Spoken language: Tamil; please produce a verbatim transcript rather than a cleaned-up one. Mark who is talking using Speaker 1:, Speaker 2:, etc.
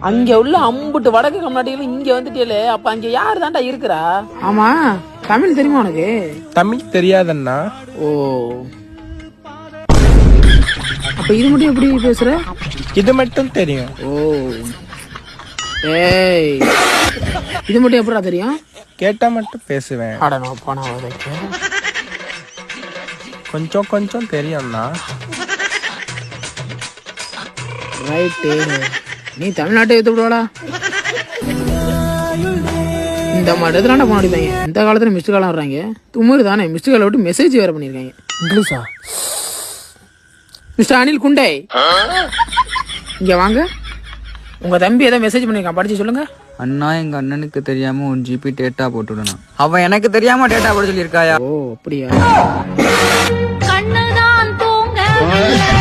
Speaker 1: அங்க உள்ள அம்புட்டு வடக்கு கம்நாட்டிகள் இங்க வந்துட்டே, அப்ப அங்க யாரு தாண்டா இருக்கிறா? ஆமா, தமிழ் தெரியுமா உனக்கு?
Speaker 2: தமிழ் தெரியாதண்ணா.
Speaker 1: ஓ, அப்ப இது மட்டும் எப்படி பேசுற?
Speaker 2: இது மட்டும் தெரியும்.
Speaker 1: ஓ, ஏய், இது மட்டும் எப்படா தெரியும்?
Speaker 2: கேட்டா மட்டும் பேசுவேன்.
Speaker 1: அட நான் போனா வரைக்கு
Speaker 2: கொஞ்சம் கொஞ்சம் தெரியும்ண்ணா.
Speaker 1: ரைட்டு, நீ தமிழ்நாட்டை எடுத்து விடுவாடா. இந்த மாதிரி இடத்துல போனாடிப்பாங்க. இந்த காலத்துல மிஸ்டு காலம் வர்றாங்க. தும்முரு தானே, மிஸ்டு காலை விட்டு மெசேஜ் வேற பண்ணிருக்காங்க. இங்கிலீஷா? மிஸ்டர் அனில் குண்டே, இங்க வாங்க. உங்க தம்பி ஏதோ மெசேஜ் பண்ணிருக்கான், படிச்சு சொல்லுங்க.
Speaker 3: அண்ணா, எங்க அண்ணனுக்கு தெரியாம ஒன் ஜிபி டேட்டா போட்டுடணும். அவன் எனக்கு தெரியாம டேட்டா போட சொல்லியிருக்காயா?
Speaker 1: ஓ அப்படியா?
Speaker 4: கண்ணுதான் தூங்க